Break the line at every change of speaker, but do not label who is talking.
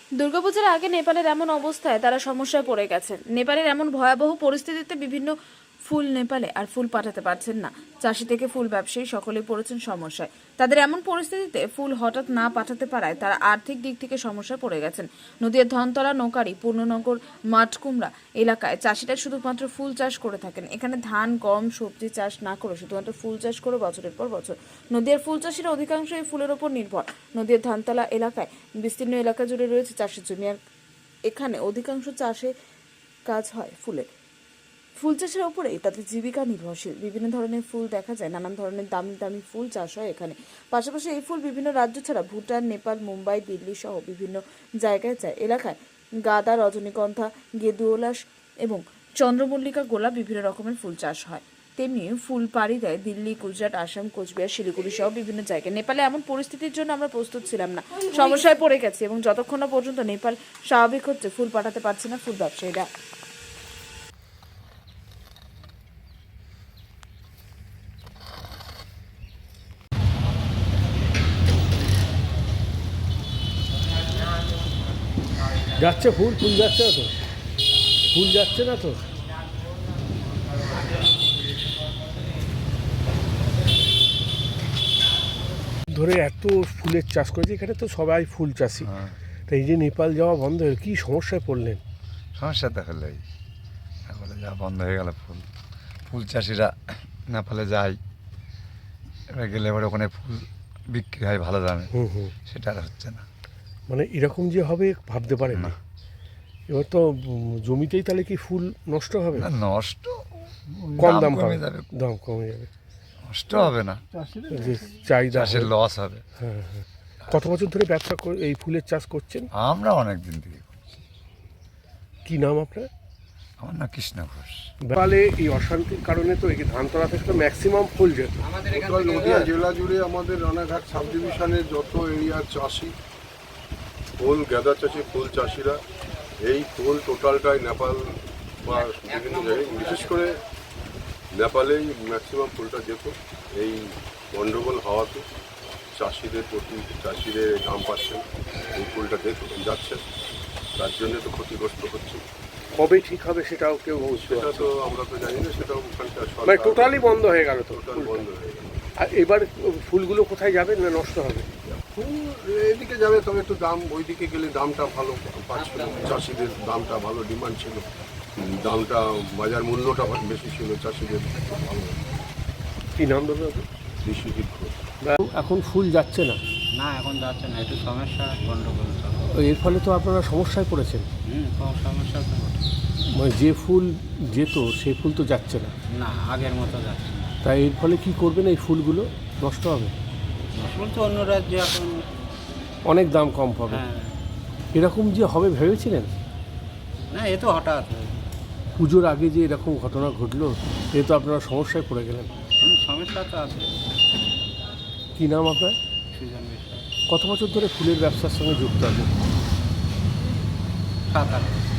দুর্গাপূজার আগে নেপালের এমন অবস্থায় তারা সমস্যায় পড়ে গেছেন। নেপালের এমন ভয়াবহ পরিস্থিতিতে বিভিন্ন ফুল নেপালে আর ফুল পাঠাতে পারছেন না। চাষি থেকে ফুল ব্যবসায়ী সকলেই পড়েছেন সমস্যায়। তাদের এমন পরিস্থিতিতে ফুল হঠাৎ না পাঠাতে পারায় তারা আর্থিক দিক থেকে সমস্যায় পড়ে গেছেন। নদীর ধনতলা, নৌকারি, পূর্ণনগর, মাঠকুমড়া এলাকায় চাষিরা শুধুমাত্র ফুল চাষ করে থাকেন। এখানে ধান, গম, সবজি চাষ না করে শুধুমাত্র ফুল চাষ করে বছরের পর বছর। নদীর ফুল চাষিরা অধিকাংশ এই ফুলের ওপর নির্ভর। নদীর ধানতলা এলাকায় বিস্তীর্ণ এলাকা জুড়ে রয়েছে চাষের জমি, আর এখানে অধিকাংশ চাষে কাজ হয় ফুলের। ফুল চাষের ওপরেই তাদের জীবিকা নির্ভরশীল। বিভিন্ন ধরনের ফুল দেখা যায়, নানান ধরনের দামি দামি ফুল চাষ হয় এখানে। পাশাপাশি এই ফুল বিভিন্ন রাজ্য ছাড়া ভুটান, নেপাল, মুম্বাই, দিল্লি সহ বিভিন্ন জায়গায় যায়। এলাকায় গাঁদা, রজনীগন্ধা, গেঁদুওলাস এবং চন্দ্রমল্লিকা, গোলাপ বিভিন্ন রকমের ফুল চাষ হয়। তেমনি ফুল পাড়ি দেয় দিল্লি, গুজরাট, আসাম, কোচবিহার, শিলিগুড়ি সহ বিভিন্ন জায়গায়। নেপালে এমন পরিস্থিতির জন্য আমরা প্রস্তুত ছিলাম না, সমস্যায় পড়ে গেছি, এবং যতক্ষণ না পর্যন্ত নেপাল স্বাভাবিক হচ্ছে ফুল পাঠাতে পারছে না ফুল ব্যবসায়ীরা।
যাচ্ছে ফুল ফুল যাচ্ছে না তো, ফুল যাচ্ছে না তো। ধরে এত ফুলের চাষ করেছে, এখানে তো সবাই ফুল চাষি। তা এই যে নেপাল যাওয়া বন্ধ হয়ে কী সমস্যায় পড়লেন?
সমস্যা তো হলোই, নেপালে যাওয়া বন্ধ হয়ে গেল। ফুল ফুল চাষিরা নেপালে যায়, এবার গেলে এবার ওখানে ফুল বিক্রি হয় ভালো দামে, সেটা আর হচ্ছে না।
মানে এরকম যে হবে ভাবতে পারেন না। এবার তো জমিতেই তাহলে কি ফুল নষ্ট হবে?
না, নষ্ট
কম দাম
কমে
হবে,
যাবে,
দাম কমে যাবে,
নষ্ট হবে না,
যে চাহিদা
চাষের লস হবে।
হ্যাঁ হ্যাঁ। কত বছর ধরে ব্যবসা এই ফুলের চাষ করছেন?
আমরা অনেক দিন থেকে করছি।
কি নাম আপনার?
আমার না কৃষ্ণ ঘোষ।
নেপালে এই অশান্তির কারণে তো এই ধানতলা থেকে তো ম্যাক্সিমাম ফুল যেত।
টোটাল নদিয়া জেলা জুড়ে আমাদের রানাঘাট সাব ডিভিশনের যত এরিয়ার চাষি, ফুল গাঁদা চাষি, ফুল চাষিরা এই ফুল টোটালটাই নেপাল বা বিভিন্ন জায়গায়, বিশেষ করে নেপালেই ম্যাক্সিমাম ফুলটা যেত। এই গণ্ডগোল হওয়াতে চাষিদের দাম পাচ্ছেন, এই ফুলটা যাচ্ছে, তার জন্য তো ক্ষতিগ্রস্ত হচ্ছে।
কবে ঠিক হবে সেটাও কেউ বুঝতে
সেটা
পারছে
তো
না।
আমরা তো জানি না, সেটাও ওখানকার
মানে টোটালি বন্ধ হয়ে গেল তো,
টোটাল বন্ধ হয়ে গেল।
আর এবার ফুলগুলো কোথায় যাবে না নষ্ট হবে?
ফুল এদিকে যাবে, তবে একটু দাম, ওইদিকে গেলে দামটা ভালো পাচ্ছিল, চাষিদের দামটা ভালো ডিমান্ড ছিল, দামটা বাজার মূল্যটা বেশি ছিল, চাষিদের ভালো।
কি নাম ধরবে?
বিশ্বজিৎ ঘোষ।
এখন ফুল যাচ্ছে না,
না এখন যাচ্ছে না, একটু সমস্যা, গন্ডগোল চলে।
এর ফলে তো আপনারা সমস্যায় পড়েছেন।
কম সমস্যা তো বটে।
মানে যে ফুল যেত সেই ফুল তো যাচ্ছে না,
না আগের মতো যাচ্ছে না।
তাই এর ফলে কি করবেন? এই ফুলগুলো নষ্ট হবে,
ফুল তো অন্য রাজ্যে এখন।
অনেক দাম কম পাবে।
হ্যাঁ,
এরকম যে হবে ভেবেছিলেন?
না এ তো হঠাৎ
পুজোর আগে যে এরকম ঘটনা ঘটলো, এ তো আপনারা সমস্যায় পড়ে গেলেন।
সমস্যা তো আছে।
কি নাম আপনার?
সুজন বিষয়
কত বছর ধরে ফুলের ব্যবসার সঙ্গে যুক্ত আছেন?
7-8